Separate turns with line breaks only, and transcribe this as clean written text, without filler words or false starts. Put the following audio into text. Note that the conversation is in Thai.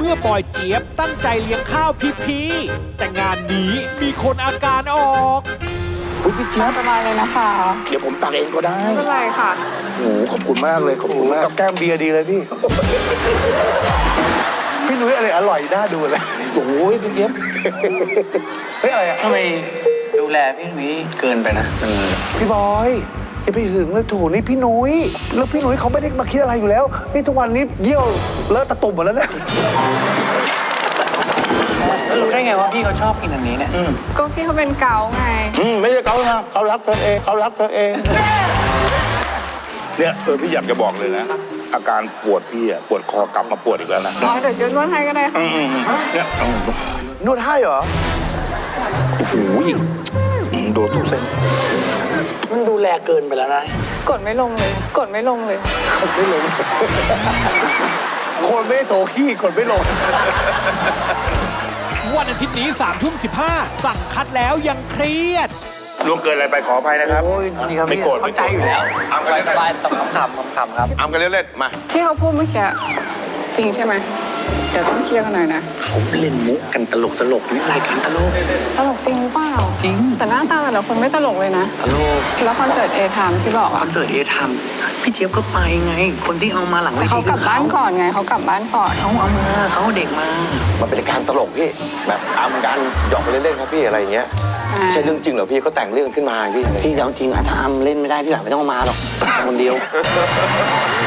มื่อบอยเจี๊ยบตั้งใจเลี้ยงข้าวพีแต่งานนี้มีคนอาการออก
คุณพี่เจี๊ยบ
สบายเลยนะคะ
เดี๋ยวผมตักเองก็ได้
ไม่เป็นไรค่ะ
โอ้โหขอบคุณมากเลยขอบคุณมาก
กับแก้มเบียร์ดีเลยพี่ พี่นุ้ยอะไรอร่อยน่าดูเลย
โอ้โหพี่เจี๊ยบ
เฮ้ยอะไรอ่ะ
ทำไมดูแลพี่นุ้ยเกินไปนะ
พี่บอยจะไปหึงเลยโถนี่พี่นุ้ยแล้วพี่นุ้ยเขาไม่ได้มาคิดอะไรอยู่แล้วนี่ทุกวันนี้เยี่ยวเลอะตะตุ่มหมดแล้วเนี่ย
แล้วรู้ได้ไงว่าพี่เขาชอบกินอันนี้เนี่ย
ก็พี่เขาเป็นเกาไง
ไม่ใช่เขานะเขารักเธอเองเขารักเธอเองเนี่ยพี่อยากจะบอกเลยนะ อาการปวดพี่อะปวดคอกลับมาปวดอีกแล้วนะ
อ๋อเดี๋ยวจะนวดให้ก็ได้ค่ะ
เนี่ย
นวดให้เหรอ
โอ้โหโดนทุกเส้น
มันดูแลเกินไปแล้วนะ
กดไม่ลงเลย กดไม่ลงเลย
ไม่ลงคนไม่โถขี้คนไม่ลง
วันอาทิตย์นี้3:15สั่งคัดแล้วยังเครียด
ล่วงเกินอะไรไปขออภัยนะครับ
โอ้ยนี่ครับ
ไม่โกรธ
เข้าใจอยู่แล้ว
อ้ำกันเล่น
สบายๆตบขำๆครับ
อ้ำกันเล่นๆมา
ที่เขาพูดเมื่อกี้จริงใช่ไหมเดี๋ยวต้องเคลียร์กันหน่อยนะ
เขาเล่นมุกกันตลกนี่รายการตลก
ตลกจริงหรือเปล่า
จริง
แต่หน้าตาแต่ละคนไม่ตลกเลยนะ
ตลก
แล้วคอนเสิร์ตเอทามที่บอก
คอ
อะ
นเสิร์ตเอทามพี่เจี๊ยบก็ไปไง คนที่เอามาหลังเว
แต่
ที
เขากลับบ้านก่อนไงเขากลับบ้านก่อน
เขาเอามาเขาเอาเด็กมา
มันเป็นการตลกพี่แบบอำกันหยอกกันเล่นๆครับพี่อะไรอย่างเงี้ยไม่ใช่เรื่องจริงเหรอพี่เขาแต่งเรื่องขึ้นมาพี่
พี่เอาจริงอะถ้าอำเล่นไม่ได้พี่หลังไม่ต้องเอามาหรอกคนเดียว